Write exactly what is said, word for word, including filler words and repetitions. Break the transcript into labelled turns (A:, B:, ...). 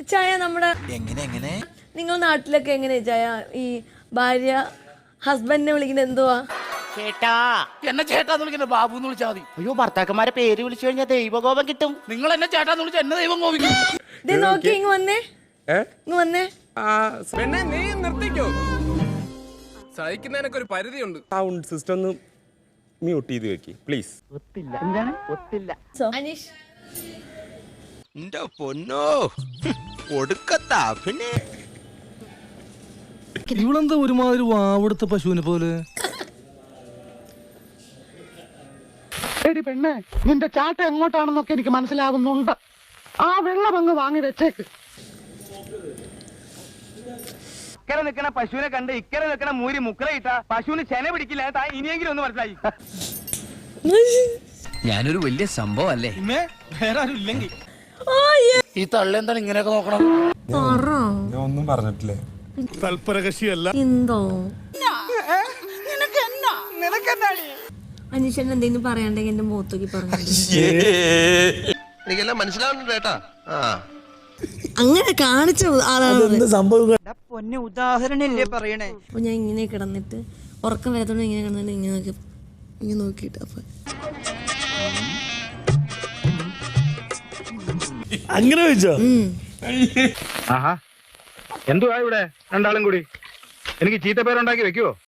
A: ചായ നമ്മുടെ
B: എങ്ങനെ എങ്ങനെ
A: നിങ്ങൾ നാട്ടിലൊക്കെ എങ്ങനെയാ ചായ ഈ ഭാര്യ ഹസ്ബൻഡിനെ വിളിക്കുന്നത് എന്തുവാ?
C: ചേട്ടാ.
D: എന്നെ ചേട്ടാന്ന് വിളിക്കുന്നത് ബാബു എന്ന് വിളിച്ചാൽ മതി.
C: അയ്യോ ഭർത്താക്കന്മാരെ പേര് വിളിച്ചു കഴിഞ്ഞാൽ ദൈവകോപം കിട്ടും.
D: നിങ്ങൾ എന്നെ ചേട്ടാന്ന് വിളിച്ചാൽ എന്നെ ദൈവം കോപിക്കും.
A: ഇത് നോക്കി ഇങ്ങ് വന്നേ, ഇങ്ങ് വന്നേ.
E: പെണ്ണെ നീ നിർത്തിക്കോ, സഹിക്കുന്നതിനൊക്കെ ഒരു പരിധിയുണ്ട്.
F: സൗണ്ട് സിസ്റ്റം ഒന്ന് മ്യൂട്ട് ചെയ്ത് വെക്കി പ്ലീസ്.
C: ഒത്തില്ല. എന്താണ് ഒത്തില്ല?
A: അനീഷ്
B: എന്റെ പൊന്നോ കൊടുക്കത്താ പിന്നെ
G: ഇവളെന്താ ഒരുമാതിരി വാവെടുത്ത പശുവിനെ പോലെ?
H: എടി പെണ്ണെ, നിന്റെ ചാട്ട എങ്ങോട്ടാണെന്നൊക്കെ എനിക്ക് മനസ്സിലാകുന്നുണ്ട്. ആ വെള്ളം അങ്ങ് വാങ്ങി വെച്ചേക്ക്.
I: ഇക്കരെ നിൽക്കണ പശുവിനെ കണ്ട് ഇക്കരെ നിൽക്കണ മൂരി മുക്കറയിട്ട പശുവിന് ചെന പിടിക്കില്ല. ഇനിയെങ്കിലും ഒന്ന് മനസ്സിലായി.
B: ഞാനൊരു വലിയ സംഭവം അല്ലേ?
D: വേറെ ആരും ഇല്ലെങ്കിൽ ഈ തള്ള എന്താണ് ഇങ്ങനെയൊക്കെ നോക്കണം?
F: ഞാൻ ഒന്നും പറഞ്ഞിട്ടില്ലേ.
G: തൽപരകക്ഷിയല്ല.
A: എന്തോ അനീഷൻ എന്തെങ്കിലും പറയാണ്ടെങ്കിൽ എന്റെ മുഖത്തേക്ക് പറഞ്ഞു.
B: എനിക്കെല്ലാം മനസ്സിലാവുന്നുണ്ട് കേട്ടാ.
A: അങ്ങനെ കാണിച്ച ആളാണ്
G: സംഭവം.
C: പൊന്നെ ഉദാഹരണല്ലേ പറയണേ.
A: അപ്പൊ ഞാൻ ഇങ്ങനെ കിടന്നിട്ട് ഉറക്കം വരത്തോണ്ട് ഇങ്ങനെ കിടന്നിട്ട് ഇങ്ങനെ നോക്കി ഇങ്ങനെ നോക്കിട്ട് അപ്പൊ
G: അങ്ങനെ വെച്ചോ?
H: എന്തുവാ ഇവിടെ രണ്ടാളും കൂടി? എനിക്ക് ചീത്തപ്പേരുണ്ടാക്കി വെക്കുവോ?